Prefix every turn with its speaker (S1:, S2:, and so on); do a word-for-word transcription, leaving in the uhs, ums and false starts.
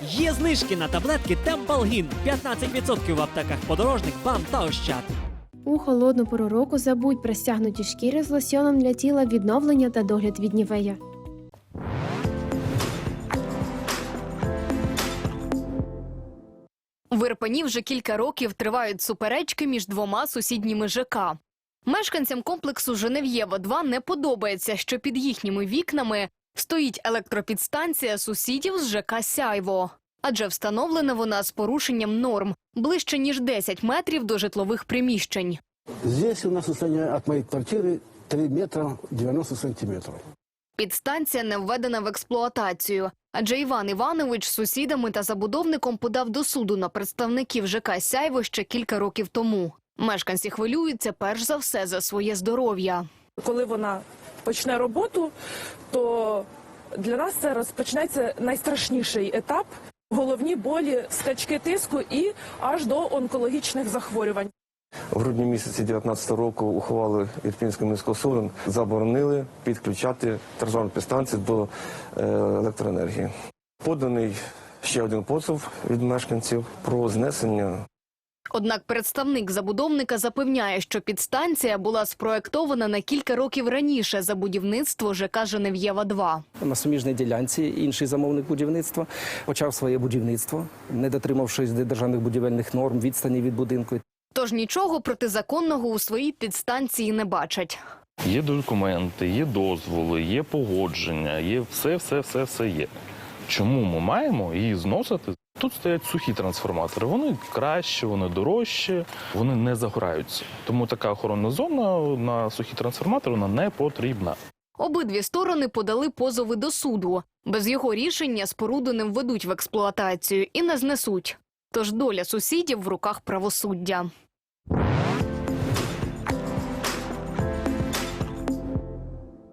S1: Є знижки на таблетки Темпалгін. п'ятнадцять відсотків в аптеках Подорожник, БАМ та Ощад.
S2: У холодну пору року забудь про стягнуті шкіри з лосьоном для тіла, відновлення та догляд від Нівея.
S3: В Ірпені вже кілька років тривають суперечки між двома сусідніми ЖК. Мешканцям комплексу Женев'єва два не подобається, що під їхніми вікнами стоїть електропідстанція сусідів з ЖК «Сяйво». Адже встановлена вона з порушенням норм ближче, ніж десять метрів до житлових приміщень.
S4: Здесь у нас расстояние от моей квартиры три метра девяносто сантиметров.
S3: Підстанція не введена в експлуатацію, адже Іван Іванович з сусідами та забудовником подав до суду на представників ЖК «Сяйво» ще кілька років тому. Мешканці хвилюються перш за все за своє здоров'я.
S5: Коли вона почне роботу, то для нас це розпочнеться найстрашніший етап – головні болі, скачки тиску і аж до онкологічних захворювань.
S6: В грудні місяці дві тисячі дев'ятнадцятого року ухвали Ірпінського міського суду заборонили підключати транспортні станції до електроенергії. Поданий ще один позов від мешканців про знесення.
S3: Однак представник забудовника запевняє, що підстанція була спроектована на кілька років раніше за будівництво ЖК «Женев'єва два».
S7: На суміжній ділянці інший замовник будівництва почав своє будівництво, не дотримавшись державних будівельних норм, відстані від будинку.
S3: Тож нічого протизаконного у своїй підстанції не бачать.
S8: Є документи, є дозволи, є погодження, є все, все, все, все є. Чому ми маємо її зносити? Тут стоять сухі трансформатори. Вони краще, вони дорожчі, вони не загораються. Тому така охоронна зона на сухі трансформатори вона не потрібна.
S3: Обидві сторони подали позови до суду. Без його рішення споруду не введуть в експлуатацію і не знесуть. Тож доля сусідів в руках правосуддя.